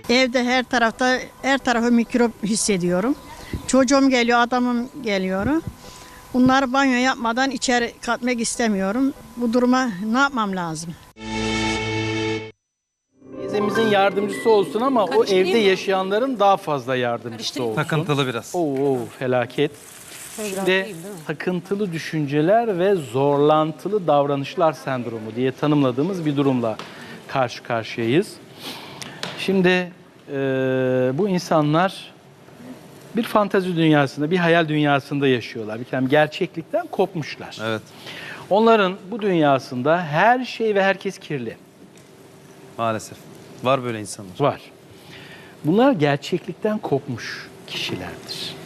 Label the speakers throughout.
Speaker 1: Evde her tarafı mikrop hissediyorum. Çocuğum geliyor, adamım geliyor. Bunları banyo yapmadan içeri katmak istemiyorum. Bu duruma ne yapmam lazım?
Speaker 2: Teyzemizin yardımcısı olsun ama o evde yaşayanların daha fazla yardımcısı olsun.
Speaker 3: Takıntılı biraz.
Speaker 2: Oo, felaket. Ve takıntılı düşünceler ve zorlantılı davranışlar sendromu diye tanımladığımız bir durumla karşı karşıyayız. Şimdi bu insanlar bir fantezi dünyasında, bir hayal dünyasında yaşıyorlar. Bir kere gerçeklikten kopmuşlar.
Speaker 3: Evet.
Speaker 2: Onların bu dünyasında her şey ve herkes kirli.
Speaker 3: Maalesef. Var böyle insanlar.
Speaker 2: Var. Bunlar gerçeklikten kopmuş kişilerdir.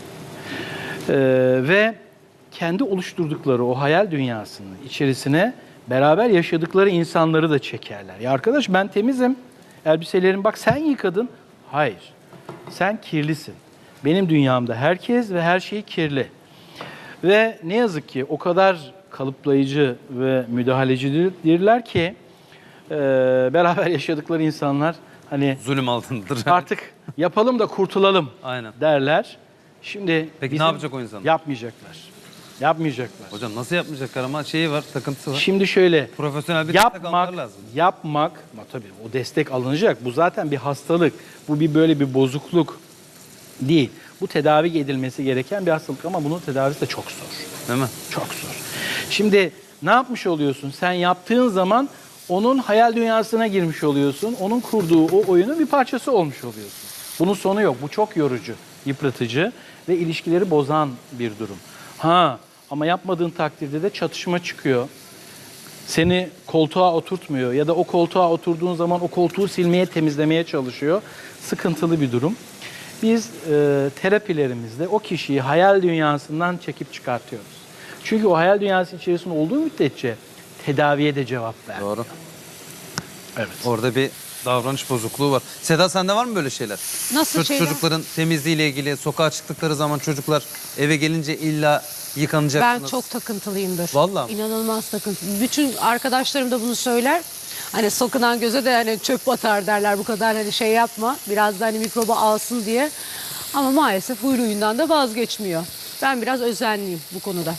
Speaker 2: Ve kendi oluşturdukları o hayal dünyasının içerisine beraber yaşadıkları insanları da çekerler. Ya arkadaş ben temizim, elbiselerim bak sen yıkadın. Hayır, sen kirlisin. Benim dünyamda herkes ve her şey kirli. Ve ne yazık ki o kadar kalıplayıcı ve müdahalecidirler ki beraber yaşadıkları insanlar hani
Speaker 3: Zulüm altındadır.
Speaker 2: artık yapalım da kurtulalım
Speaker 3: Aynen.
Speaker 2: derler. Şimdi
Speaker 3: Peki
Speaker 2: bizim
Speaker 3: ne yapacak o insanlar?
Speaker 2: Yapmayacaklar. Yapmayacaklar.
Speaker 3: Hocam nasıl yapmayacaklar ama şeyi var, takıntısı var.
Speaker 2: Şimdi şöyle
Speaker 3: Profesyonel bir destek almaları lazım.
Speaker 2: yapmak, ama tabii o destek alınacak. Bu zaten bir hastalık. Bu bir böyle bir bozukluk değil. Bu tedavi edilmesi gereken bir hastalık ama bunun tedavisi de çok zor.
Speaker 3: Değil mi?
Speaker 2: Çok zor. Şimdi ne yapmış oluyorsun? Sen yaptığın zaman onun hayal dünyasına girmiş oluyorsun. Onun kurduğu o oyunun bir parçası olmuş oluyorsun. Bunun sonu yok. Bu çok yorucu, yıpratıcı ve ilişkileri bozan bir durum. Ama yapmadığın takdirde de çatışma çıkıyor. Seni koltuğa oturtmuyor ya da o koltuğa oturduğun zaman o koltuğu silmeye, temizlemeye çalışıyor. Sıkıntılı bir durum. Biz terapilerimizde o kişiyi hayal dünyasından çekip çıkartıyoruz. Çünkü o hayal dünyası içerisinde olduğu müddetçe tedaviye de cevap ver.
Speaker 3: Doğru.
Speaker 2: Evet.
Speaker 3: Orada bir davranış bozukluğu var. Seda sende var mı böyle şeyler?
Speaker 4: Nasıl şeyler?
Speaker 3: Çocukların temizliğiyle ilgili sokağa çıktıkları zaman çocuklar eve gelince illa
Speaker 4: Ben
Speaker 3: yıkanacaksınız.
Speaker 4: çok takıntılıyımdır.
Speaker 3: Vallahi mi?
Speaker 4: İnanılmaz takıntılı. Bütün arkadaşlarım da bunu söyler. Hani sokunan göze de hani çöp batar derler, bu kadar hani şey yapma. Biraz da hani mikrobu alsın diye. Ama maalesef huyuyundan da vazgeçmiyor. Ben biraz özenliyim bu konuda.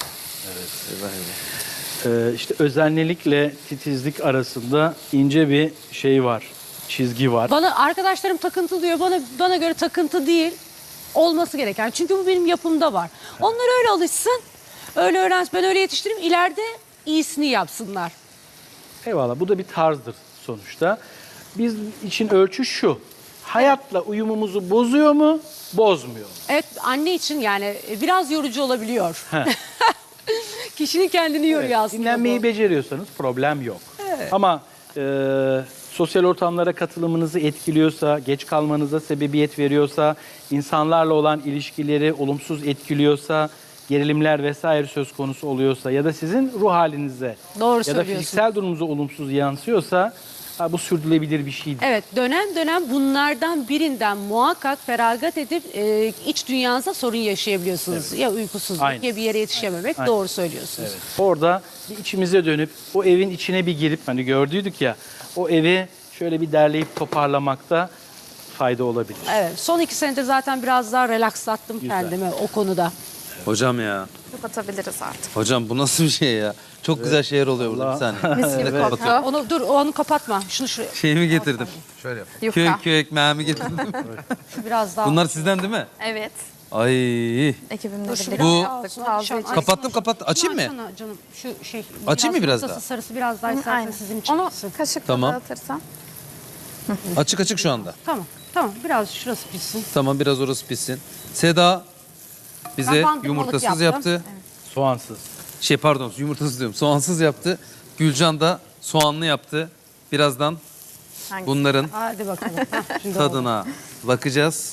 Speaker 2: İşte özenlilikle titizlik arasında ince bir şey var, çizgi var.
Speaker 4: Bana arkadaşlarım takıntı diyor. Bana göre takıntı değil. Olması gereken. Çünkü bu benim yapımda var. Onlar öyle alışsın. Öyle öğrensin. Ben öyle yetiştireyim. İleride iyisini yapsınlar.
Speaker 2: Eyvallah, bu da bir tarzdır sonuçta. Biz için ölçü şu, hayatla uyumumuzu bozuyor mu, bozmuyor mu?
Speaker 4: Evet, anne için yani biraz yorucu olabiliyor. Kişinin kendini yoruyor aslında.
Speaker 2: Dinlenmeyi
Speaker 4: bu.
Speaker 2: beceriyorsanız problem yok. Ama sosyal ortamlara katılımınızı etkiliyorsa, geç kalmanıza sebebiyet veriyorsa, insanlarla olan ilişkileri olumsuz etkiliyorsa, gerilimler vesaire söz konusu oluyorsa ya da sizin ruh halinize
Speaker 4: Doğru
Speaker 2: ya da
Speaker 4: söylüyorsun.
Speaker 2: fiziksel durumunuza olumsuz yansıyorsa bu sürdürülebilir bir şey değil.
Speaker 4: Evet, dönem dönem bunlardan birinden muhakkak feragat edip iç dünyanıza sorun yaşayabiliyorsunuz. Ya uykusuzluk
Speaker 2: Aynen.
Speaker 4: ya bir yere yetişememek.
Speaker 2: Aynen.
Speaker 4: Doğru söylüyorsunuz.
Speaker 2: Evet. Orada bir içimize dönüp o evin içine bir girip hani gördüydük ya o evi şöyle bir derleyip toparlamakta fayda olabilir.
Speaker 4: Evet, son 2 senedir zaten biraz daha relakslattım kendimi o konuda.
Speaker 3: Hocam ya.
Speaker 5: Kapatabiliriz artık.
Speaker 3: Hocam bu nasıl bir şey ya? Çok güzel şeyler oluyor burada bir saniye.
Speaker 5: Mis gibi
Speaker 3: Evet,
Speaker 5: koktu.
Speaker 4: Onu kapatma. Şunu şuraya.
Speaker 3: Şeyimi getirdim. Şöyle yap. Köy,
Speaker 5: Yufka.
Speaker 3: köy ekmeğimi getirdim.
Speaker 4: Şu biraz daha.
Speaker 3: Bunlar sizden değil mi?
Speaker 5: Evet.
Speaker 3: Ay.
Speaker 5: Ekibimle
Speaker 4: Dur, şu
Speaker 5: birlikte
Speaker 3: Bu-
Speaker 5: yaptık. Taze için.
Speaker 3: Kapattım. Açayım mı?
Speaker 4: Açsana canım. Şu şey.
Speaker 3: Açayım mı biraz
Speaker 4: ortası
Speaker 3: daha?
Speaker 4: Sarısı biraz daha istersen
Speaker 5: Aynen.
Speaker 4: sizin için.
Speaker 5: Onu
Speaker 4: pişsin.
Speaker 5: kaşıkla
Speaker 3: Tamam.
Speaker 5: dağıtırsan.
Speaker 3: Açık şu anda.
Speaker 4: Tamam. Biraz şurası pişsin.
Speaker 3: Tamam biraz orası pişsin. Seda bize
Speaker 4: Ben bandırmalık
Speaker 3: yumurtasız
Speaker 4: yaptım.
Speaker 3: yaptı.
Speaker 2: Soğansız.
Speaker 3: Pardon yumurtasız diyorum. Soğansız yaptı. Gülcan da soğanlı yaptı. Birazdan
Speaker 5: Hangisi?
Speaker 3: bunların
Speaker 4: Hadi bakalım. Şimdi oldu.
Speaker 3: tadına bakacağız.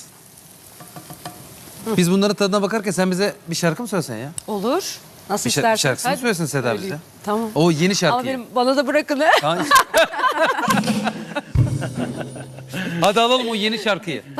Speaker 3: Biz bunların tadına bakarken sen bize bir şarkı mı söylesen ya?
Speaker 4: Olur. Nasıl
Speaker 3: Bir
Speaker 4: istersen.
Speaker 3: şarkısını
Speaker 4: Hadi.
Speaker 3: söylesin Seda bize.
Speaker 4: Söyleyeyim. Tamam.
Speaker 3: O yeni
Speaker 4: Ama
Speaker 3: şarkıyı.
Speaker 4: bana da bırakın.
Speaker 3: Hadi alalım o yeni şarkıyı.